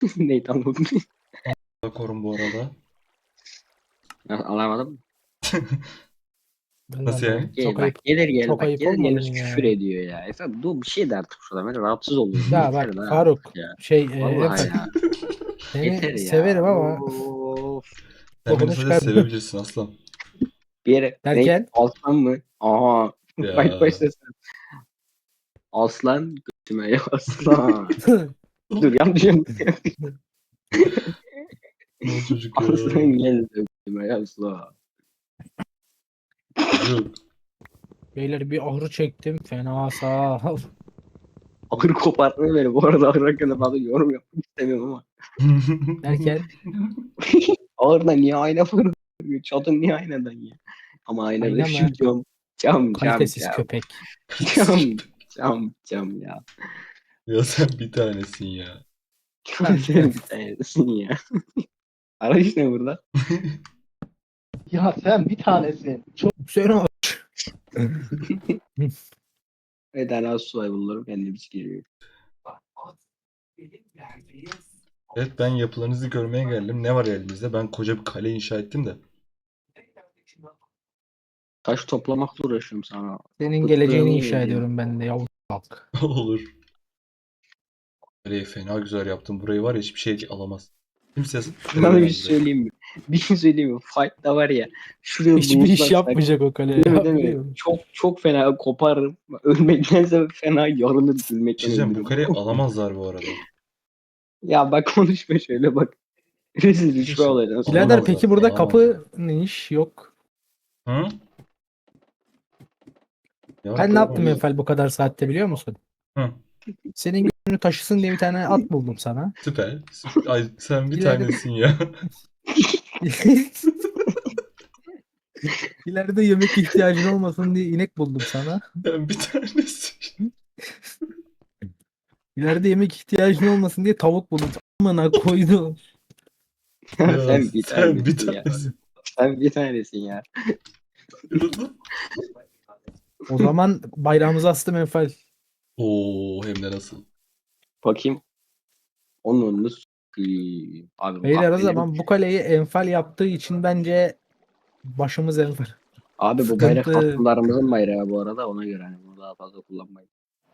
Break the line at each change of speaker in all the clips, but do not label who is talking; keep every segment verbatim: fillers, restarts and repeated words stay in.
Neyi tam
Korum bu arada.
Anlamadım.
Ben de
Nasıl yani?
anlamadım.
Gel
Çok
bak
ayıp.
gelir gelir
Çok
bak
ayıp
gelir
olmadı
gelmez
mı
küfür
ya?
ediyor ya. Efendim dur bir şey de artık şurada ben rahatsız oluyorum.
Ya
Yeter
bak
lan
Faruk
artık ya.
şey e,
Vallahi
Efe
ya. Yeter
seni
ya.
severim ama
Of.
Sen beni
bokunu
sadece
çıkar
sevebilirsin aslan.
Bir yere ne
derken
aslan mı? Aha. Bak
Ya.
başlasın. Aslan götüme ya aslan. Dur yanlış yanlış.
Ne çocuk ya.
Aslan gel götüme ya aslan.
Çocuk.
beyler bir ahır çektim fena sağ ol.
Ahır kopartma beni. Bu arada ahır hakkında fazla yorum yapmak istemiyorum ama.
Derken
Ahırda niye ayna fırlıyor? Çatın niye aynadan ya? Ama aynada
ayna
şu
mı?
cam. Cam cam
Kalitesiz
cam.
köpek.
Cam cam cam ya.
Ya sen bir tanesin ya.
Ben
Sen bir tanesin ya. Araç ne burada?
Ya sen bir tanesin. Çok
sen o
Bir tane az su bulurum kendimiz geliyor.
Evet ben yapılarınızı görmeye geldim. Ne var elimizde? Ben koca bir kale inşa ettim de.
Taş toplamakla uğraşıyorum sana.
senin geleceğini
Bıktığımı
inşa
geliyor.
ediyorum ben de yavrum bak.
Olur. Kaleyi fena güzel yaptım. Burayı var ya hiçbir şey alamaz. Kimse
Sana bir
göremez
şey
burayı.
söyleyeyim mi? Bir şey söyleyeyim mi? Fight'ta var ya. Şuraya
Hiçbir iş
lootlasak.
yapmayacak o kale
Değil mi
ya
değil mi?
biliyor musun?
Çok çok fena koparırım. Ölmektense fena yarılır
Bir şey
gülmekten
diyeceğim, bu
ölürüm.
kaleyi alamazlar bu arada.
Ya bak konuşma şöyle bak. Rezil rüşve
Arkadaşlar,
olacaksın sonra.
Birader
alamazlar,
peki burada
alamazlar.
kapı ne iş yok.
Hı? Ya
Ben ne yaptım
görmüyoruz.
Enfal bu kadar saatte biliyor musun?
Hı.
Senin gününü taşısın diye bir tane at buldum sana.
Süper. Süper. Ay sen bir
İleride,
tanesin ya.
ileride yemek ihtiyacın olmasın diye inek buldum sana.
Sen bir tanesin.
İleride yemek ihtiyacın olmasın diye tavuk buldum. Amına koydu.
Ya
Sen bir
sen bir
tanesin ya.
tanesin.
Sen bir tanesin ya.
Yürüdü.
O zaman bayrağımızı astım Enfal.
Oo hem de nasıl.
Bakayım. Onun önünü s**eyim. Abi bu
Beyler o
kahvelerin.
zaman bu kaleyi Enfal yaptığı için bence başımız Enfal.
Abi bu bayrak
Sıkıntı.
hasımlarımızın bayrağı bu arada ona göre hani bunu daha fazla kullanmayın.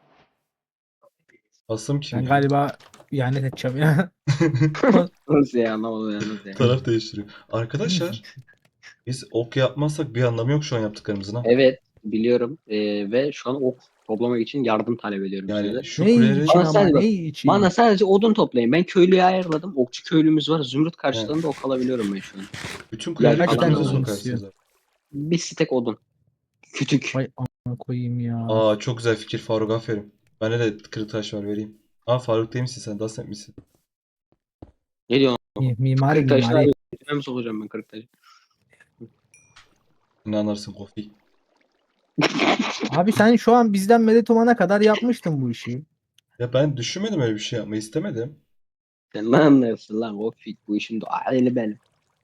Asım kim
Ben
ya?
galiba ihanet edeceğim ya.
Nasıl ya anlamadım ya nasıl ya.
Taraf değiştiriyor. Arkadaşlar biz ok yapmazsak bir anlamı yok şu an yaptıklarımızın ha.
Evet biliyorum Ee, ve şu an ok toplamak için yardım talep ediyorum
Yani
size.
şu
Ne için
kuleleri
Bana
ama
sadece bak.
ne için?
Bana sadece odun toplayın. Ben köylüyü ayarladım. Okçu köylümüz var. Zümrüt
yani
karşılığında ok alabiliyorum ben şu an.
bütün
Yer
kuleleri
Kaç
falan
tane
da
götünüze
odun
var.
istiyor?
sokarsınız abi.
Bir stek odun. Kütük.
Vay amına koyayım ya.
Aa çok güzel fikir Faruk, aferin. Bende de kırık taş var, vereyim. Aa Faruk değil misin sen? Dasnet misin?
Ne diyorsun?
Mi- Mimari
Kırk taşını
mimari.
götüne mi sokacağım ben kırk taşı?
Ne anlarsın Kofi?
Abi sen şu an bizden medet umana kadar yapmıştın bu işi.
Ya ben düşünmedim, öyle bir şey yapmayı istemedim.
Sen ne anlarsın lan? O fik bu işin doğali benim.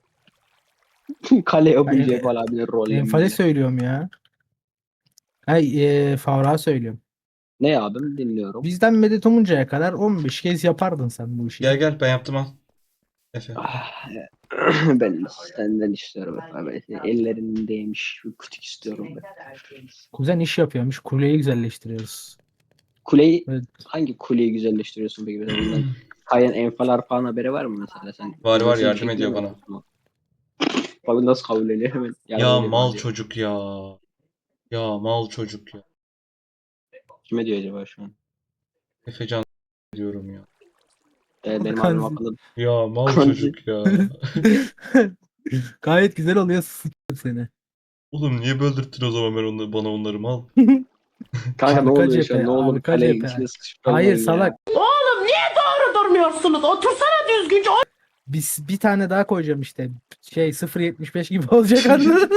Kale
Ben
yapınca
e,
falan bir
Enfal'e
rollenmeyle.
söylüyorum ya. Ay e, Faruk'a söylüyorum.
Ne abim dinliyorum.
Bizden medet umuncaya kadar on beş kez yapardın sen bu işi.
Gel gel ben yaptım, al. Efe.
Ah, ben senden istiyorum efendim. Ellerindeymiş. Bir kütük istiyorum ben.
Kuzen iş yapıyormuş. Kuleyi güzelleştiriyoruz.
Kuleyi
Evet.
hangi kuleyi güzelleştiriyorsun peki? Mesela bundan kayan enfal falan haberi var mı mesela? Sen
Var var,
nasıl bir
yardım
şekilde
ediyor
mi
bana.
yapıyorsun? Abi nasıl kabul ediyor hemen yardım
Ya
ediyorum
mal
diyor.
çocuk ya. Ya mal çocuk ya.
Kime diyor acaba şu an?
Efecan diyorum ya.
Ee, benim abim
Kanzi.
hakkında
Ya mal
Kanzi.
çocuk ya.
Gayet güzel oluyor. Sıçıyorum seni.
Oğlum niye böldürttün o zaman ben onları, bana onları mal?
Kanka ne
Arka
oluyor şu an?
cephe,
Ne olur
arka
kalenin
cephe.
içine sıkışıp
Hayır
kalmayın ya.
salak.
Oğlum niye doğru durmuyorsunuz? Otursana düzgünce.
Biz bir tane daha koyacağım işte. Şey sıfır virgül yetmiş beş gibi olacak anladın.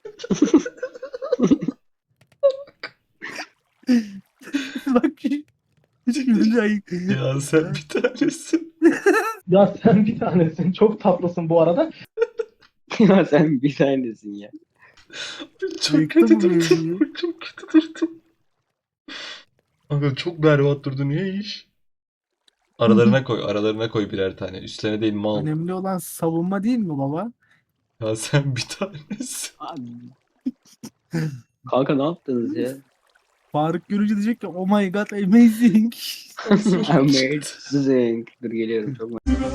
Bak güzel.
Ya sen bir tanesin.
ya sen bir tanesin. Çok tatlısın bu arada.
Ya sen bir tanesin ya.
Çok
Yıktın
kötü
mı
durdun.
beni?
Çok kötü durdun. Kanka çok berbat durdu, niye iş? Aralarına koy, aralarına koy birer tane. Üstlerine değil mal.
Önemli olan savunma değil mi baba?
Ya sen bir tanesi.
Abi. Kanka ne yaptınız ya?
Faruk görünce diyecek ki oh my god amazing.
Amazing. Dur geliyorum çok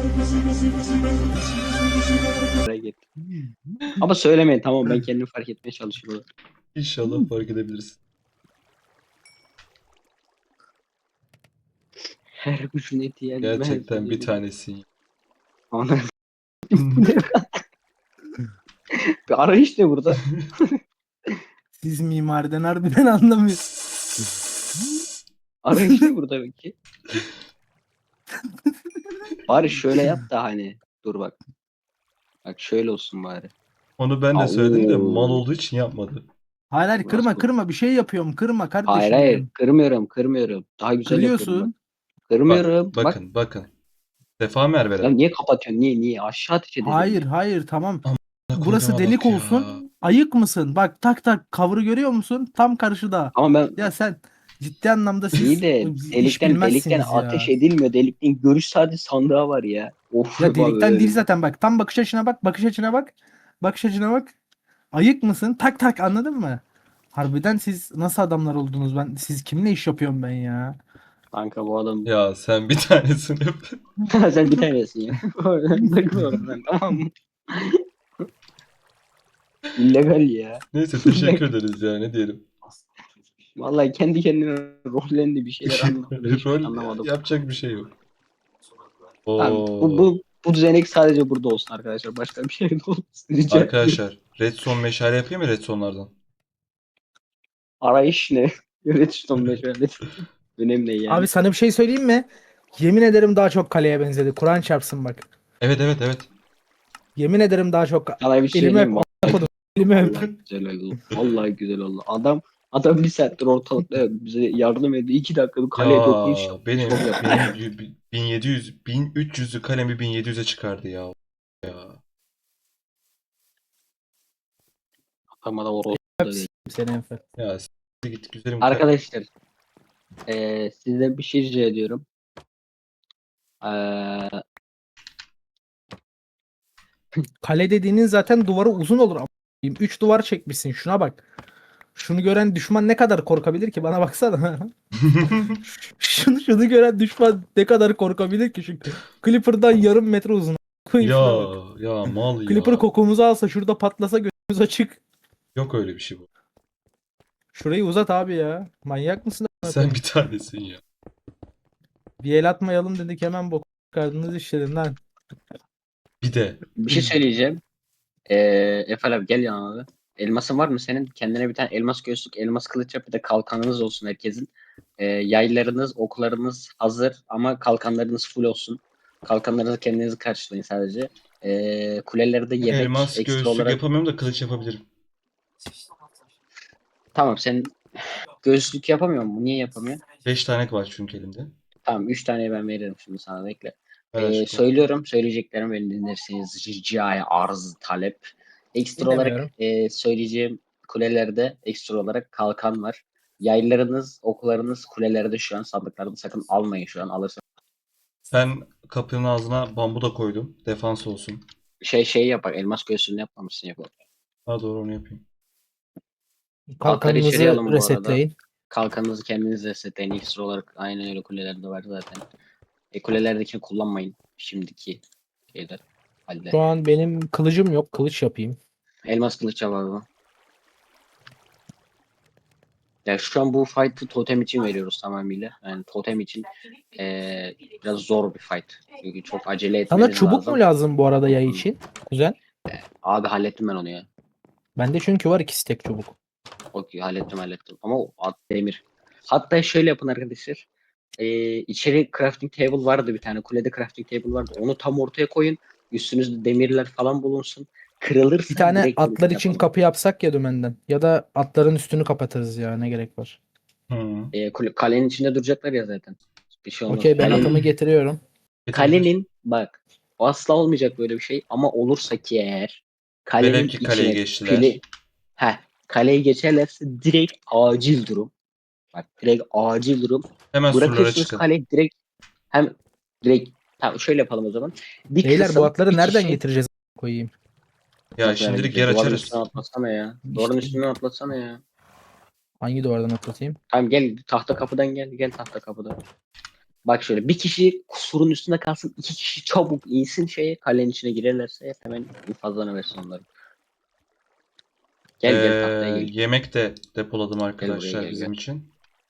merak ettim. Ama söylemeyin tamam ben kendim fark etmeye çalışıyorum.
İnşallah fark edebilirsin.
Her gücün eti yenmez.
Gerçekten bir tanesin.
Ana. Bir arayış ne burada?
Siz mimariden harbiden anlamıyorsunuz.
Arayış ne burada peki? Bari şöyle yap da hani. Dur bak. Bak şöyle olsun bari.
Onu ben de
Aa,
söyledim de
oo.
mal olduğu için yapmadı.
Hayır hayır kırma
Nasıl?
kırma bir şey yapıyorum kırma kardeşim
Hayır hayır
benim.
kırmıyorum kırmıyorum. Daha güzel yapıyorum bak.
Kırıyorsun.
Kırmıyorum.
Bak,
Bak.
bakın bakın. Sefa Merve.
Ya niye kapatıyorsun? Niye niye? Aşağı ateş edelim.
Hayır hayır tamam. Burası
Koyduğuma
delik
bak ya.
olsun. Ayık mısın? Bak tak tak cover'ı görüyor musun? Tam karşıda.
Ama ben
Ya sen ciddi anlamda siz
iyi de
iş
delikten
bilmezsiniz
delikten
ya.
ateş edilmiyor. Delikten görüş sadece sandığa var ya. Of
Ya
bak
delikten
öyle.
değil zaten bak. Tam bakış açına bak. Bakış açına bak. Bakış açına bak. Ayık mısın? Tak tak anladın mı? Harbiden siz nasıl adamlar oldunuz? Ben siz kimle iş yapıyorum ben ya?
Kanka bu adam
Ya sen bir tanesin hep.
sen bir tanesin ya. Takılıyorum ben tamam mı? İllegal ya.
Neyse teşekkür ederiz ya ne diyelim.
Vallahi kendi kendine rollendi bir şeyler anlamadım. Hiçbir şey
Rol
anlamadım.
yapacak bir şey yok.
Tamam,
Oo.
bu, bu, bu düzenek sadece burada olsun arkadaşlar. Başka bir şey de olmasın. Rica ederim.
Arkadaşlar Redstone meşale yapayım mı Redstone'lardan?
Arayış ne? Redstone meşale. Önemli ne yani?
Abi sana bir şey söyleyeyim mi? Yemin ederim daha çok kaleye benzedi. Kur'an çarpsın bak.
Evet evet evet.
Yemin ederim daha çok.
Sana bir şey
Elime
söyleyeyim mi?
öp. Elime öp.
Vallahi güzel oldu. Vallahi güzel oldu. Adam adam bir saattir ortalıkta bize yardım ediyor. İki dakika bir kaleye dokunuş
Ya
yaptı.
benim
Çok yaptı.
benim y- bin yedi yüz bin üç yüzlü kalemi bin yedi yüze çıkardı ya. Ya.
Ama da orası da değil.
Seni Enfer.
Ya s- git güzelim. kal-
Arkadaşlar eee sizden bir şey rica ediyorum. Eee
Kale dediğinin zaten duvarı uzun olur. Üç duvar çekmişsin. Şuna bak. Şunu gören düşman ne kadar korkabilir ki? Bana baksana. şunu şunu gören düşman ne kadar korkabilir ki? Şu Clipper'dan yarım metre uzun. Koyayım
Ya
şuna bak.
ya mal ya.
Clipper kokumuzu alsa şurada patlasa gözümüz açık.
Yok öyle bir şey bu.
Şurayı uzat abi ya. Manyak mısın?
Sen bir tanesin ya.
Bir el atmayalım dedik hemen bok çıkardınız işlerin lan.
Bir de
bir şey söyleyeceğim. Eee Efe abi gel yanına. Elmasın var mı senin? Kendine bir tane elmas göğüslük, elmas kılıç yap bir de kalkanınız olsun herkesin. Eee yaylarınız, oklarınız hazır ama kalkanlarınız full olsun. Kalkanlarınızı kendinizi karşılayın sadece. Eee kulelerde yemek
elmas
ekstra
göğüslük
olarak.
yapamıyorum da kılıç yapabilirim.
Tamam sen göğüslük yapamıyor musun? Niye yapamıyor?
beş tane var çünkü elimde.
Tamam üç taneyi ben veririm şimdi sana bekle.
Ver
Ee,
aşkım.
söylüyorum söyleyeceklerimi beni dinlerseniz ricaya arz talep. Ekstra olarak
Dinlemiyorum.
e, söyleyeceğim kulelerde ekstra olarak kalkan var. Yaylarınız, oklarınız kulelerde şu an sandıklarda sakın almayın şu an alırsanız.
Ben kapının ağzına bambu da koydum. Defans olsun.
Şey şey yapar elmas göğsünü yapmamışsın yapalım.
Ha doğru onu yapayım.
Altları içeriye
Kalkanınızı
alın bu arada.
resetleyin.
Kalkanınızı kendiniz resetleyin ekstra olarak aynen öyle kulelerde var zaten. E, kulelerdekini kullanmayın şimdiki şeyler. Halde.
Şu an benim kılıcım yok. Kılıç yapayım.
Elmas kılıç var. Ya şu an bu fight'ı totem için veriyoruz tamamıyla. Yani totem için eee, biraz zor bir fight. Çünkü çok acele etmeniz
Sana çubuk
lazım.
mu lazım bu arada yay için? Güzel.
Abi hallettim ben onu ya.
Bende çünkü var iki stek çubuk.
Okey hallettim hallettim. Ama o at demir. Hatta şöyle yapın arkadaşlar. Eee içeri crafting table vardı bir tane. Kulede crafting table vardı. Onu tam ortaya koyun. Üstünüzde demirler falan bulunsun. Kırılırsa
Bir tane
direkt
atlar
vuruşun
için
yapalım.
kapı yapsak ya dümenden. Ya da atların üstünü kapatırız ya ne gerek var.
Hı.
Eee, kule- kalenin içinde duracaklar ya zaten. Bir şey olmaz.
Okey ben
Kalenin-
atımı getiriyorum.
Kalenin bak asla olmayacak böyle bir şey ama olursa ki eğer kalenin
Velev ki kaleyi
içine
geçtiler.
pili heh, kaleyi geçerlerse direkt acil durum. Bak direkt acil durum.
Hemen surlara
Bırakırsınız
çıkın.
kaleyi direkt hem Direkt tamam şöyle yapalım o zaman. Bir
Beyler
kısım,
bu atları
bir
nereden
kişi-
getireceğiz koyayım?
Ya
Nasıl
şimdilik
hareket
yer
ediyor? Duvarın
açarız.
üstüne atlasana ya.
İşte-
Duvarın üstüne atlasana ya.
Hangi duvardan atlatayım?
Tamam gel tahta kapıdan gel. Gel tahta kapıdan. Bak şöyle bir kişi surun üstünde kalsın. İki kişi çabuk insin şeye. Kalenin içine girerlerse hemen infazlanıversin onları. Gel gel tahtaya
Ee,
gel.
yemek de depoladım
buraya,
arkadaşlar
gel,
bizim
gel.
için.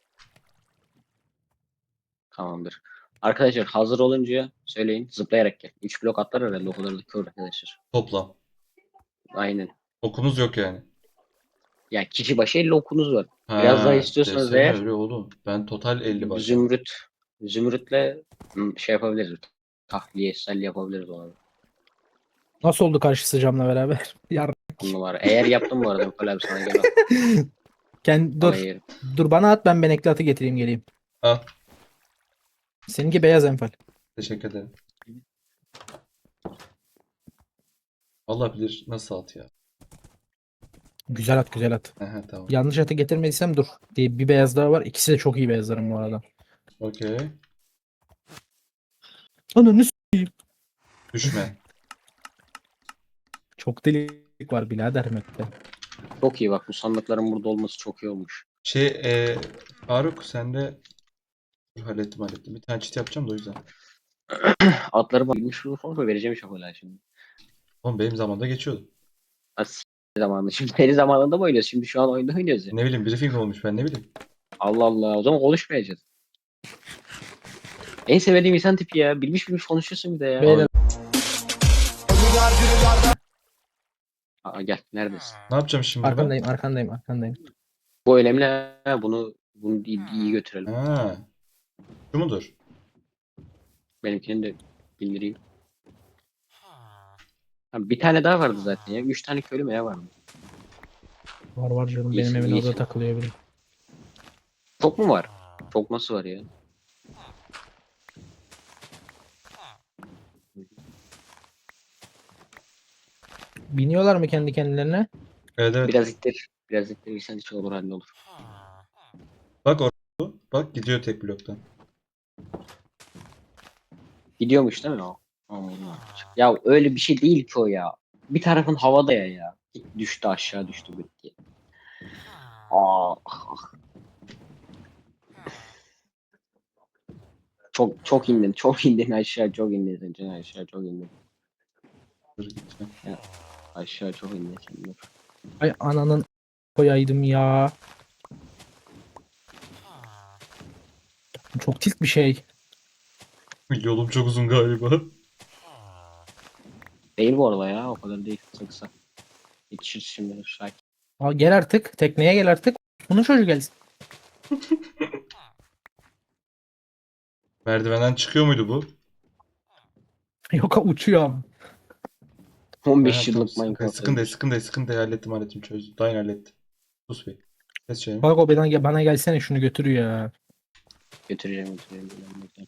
Tamamdır. Arkadaşlar hazır olunca söyleyin. Zıplayarak gel. Üç blok atlar herhalde o kadar da kör arkadaşlar.
Toplam.
Aynen.
Okumuz yok yani.
Yani kişi başı elli okunuz var.
Ha,
Biraz daha istiyorsanız
desene
eğer
öyle oğlum. Ben total elli başladım.
zümrüt zümrütle hmm, şey yapabiliriz. Tahliye, selli yapabiliriz onu.
Nasıl oldu karşısı camla beraber? Yar.
On numara. Eğer yaptım bu arada Mükemmel abi sana gel.
Kend
Dur.
dur. Dur bana at, ben benekli atı getireyim geleyim.
Al.
Seninki beyaz enfal.
Teşekkür ederim. Allah bilir nasıl at ya.
Güzel at, güzel at.
Aha, tamam.
Yanlış atı getirmediysem dur. Diye bir beyaz daha var. İkisi de çok iyi beyazlarım bu arada.
Okey.
Ananı s**eyim.
Düşme.
Çok delik var birader map'te.
Çok iyi bak bu sandıkların burada olması çok iyi olmuş.
Şey e, Faruk sen de dur, hallettim hallettim. Bir tane çit yapacağım da o yüzden.
Atları bak bilmiş bunu falan vereceğim şakola şimdi.
Oğlum benim zamanında geçiyordu.
As zamanında. Şimdi beri zamanında mı oynuyoruz? Şimdi şu an oyunda oynuyoruz ya.
Ne bileyim briefing olmuş ben ne bileyim.
Allah Allah. O zaman konuşmayacağız. En sevdiğim insan tipi ya. Bilmiş bilmiş konuşuyorsun bir de ya.
Beyler
Aa, gel. Neredesin?
Ne yapacağım şimdi ben?
arkandayım, arkandayım, arkandayım.
Bu önemli ha. Bunu bunu iyi, iyi götürelim.
Ha. Şu mudur?
Benimkini de bildireyim. Ha, bir tane daha vardı zaten ya. Üç tane köylü mü ne vardı?
Var var canım, benim
İyisin,
evin
iyisin.
orada takılıyor biri.
Çok mu var? Çok nasıl var ya?
Biniyorlar mı kendi kendilerine?
Evet evet.
Biraz ittir. Biraz ittirirsen hiç olur halde olur.
Bak orada. Bak gidiyor tek bloktan.
Gidiyormuş değil mi o? Allah. Ya öyle bir şey değil ki o ya. Bir tarafın havada ya ya. Düştü aşağı düştü bitti. Aa, ah, ah. Çok çok indin, çok indin aşağı, çok indin sen aşağı, çok indin.
Dur gideceğim.
Aşağı çok indin sen dur.
Ay ananın koyaydım ya. Çok tilt bir şey.
Yolum çok uzun galiba.
Değil bu arada ya, o kadar değil, kısa kısa. Yetişir şimdi, sakin.
Aa, gel artık. Tekneye gel artık. Bunun çocuğu gelsin.
Merdivenden çıkıyor muydu bu?
Yok uçuyor ama.
on beş
Ha, tamam,
yıllık
sıkıntı,
Minecraft.
sıkıntı değil, sıkıntı değil, sıkıntı değil. Hallettim, hallettim, çözdüm. Dain halletti. Sus bir. Kes şeyini.
Bak o bana, bana gelsene şunu götürüyor ya.
Götüreceğim, götüreceğim. götüreceğim.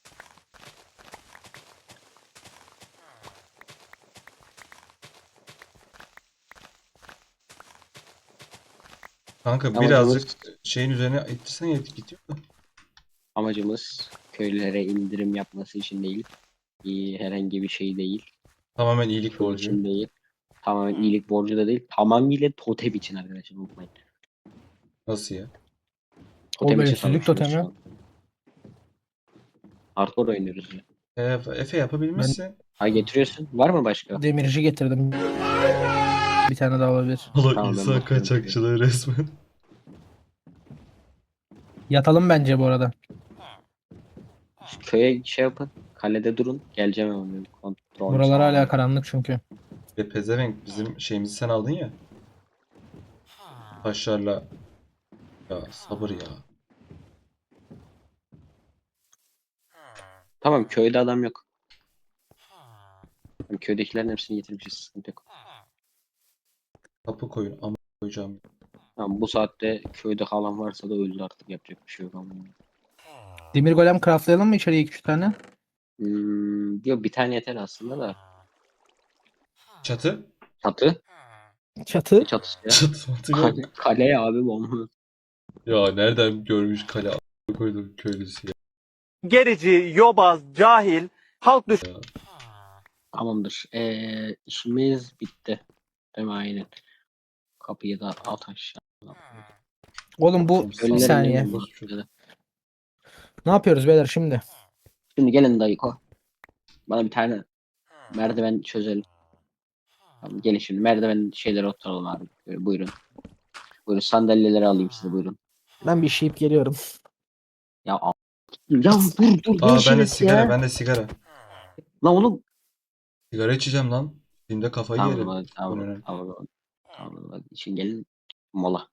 Kanka
Amacımız-
birazcık şeyin üzerine ittirsen yet gidiyor da.
Amacımız köylülere indirim yapması için değil. İyi, herhangi bir şey değil.
Tamamen iyilik
Köy
borcu.
için değil. Tamamen iyilik borcu da değil. Tamamıyla totem için arkadaşlar unutmayın.
Nasıl ya?
Totem
O
için
bölümsüzlük
savaşıyoruz şu
totemi.
an. Hardcore oynuyoruz ya.
E, Efe yapabilmişsin.
Ha getiriyorsun. Var mı başka?
Demirci getirdim. Bir tane daha olabilir.
Allah
Tamam, ben
insan
bakıyorum.
kaçakçılığı resmen.
Yatalım bence bu arada.
Köye şey yapın. Kalede durun. Geleceğim hemen benim kontrol.
Buralar hala karanlık çünkü.
Ve pezevenk bizim şeyimizi sen aldın ya. Taşlarla. Ya sabır ya.
Tamam köyde adam yok. Tamam, köydekilerin hepsini getirmişiz. Sıkıntı yok.
Kapı koyun ama koyacağım.
Tamam, bu saatte köyde kalan varsa da öldü artık. Yapacak bir şey yok ama.
Demir golem craftlayalım mı içeriye iki üç tane?
Hmm, yok bir tane yeter aslında da.
Çatı?
Çatı.
Çatı.
Ne çatısı ya?
Çatı matı yok.
Kale, kale abi bomba.
Ya nereden görmüş kale a**a koydum köylüsü ya.
gerici, yobaz, cahil, halk
Tamamdır. Ee, işimiz bitti. Değil mi? Aynen. Kapıyı da at aşağı.
Oğlum bu
Tamam,
bir
sağ-
saniye.
Ölülerini
Boş ver.
Ne yapıyoruz beyler şimdi?
Şimdi gelin dayıko. Bana bir tane merdiven çözelim. Tamam, gelin şimdi merdiven şeylere oturalım abi. Ee, buyurun. Buyurun sandalyeleri alayım size buyurun.
Ben bir işeyip geliyorum.
Ya a- ya dur dur ne
Aa ben de
işiniz
sigara,
ya?
ben de sigara.
Lan oğlum.
Sigara içeceğim lan. Şimdi kafayı
Tamam
yerim.
hadi,
Bu ne
tamam
lan?
tamam tamam. Tamam hadi için gelin mola.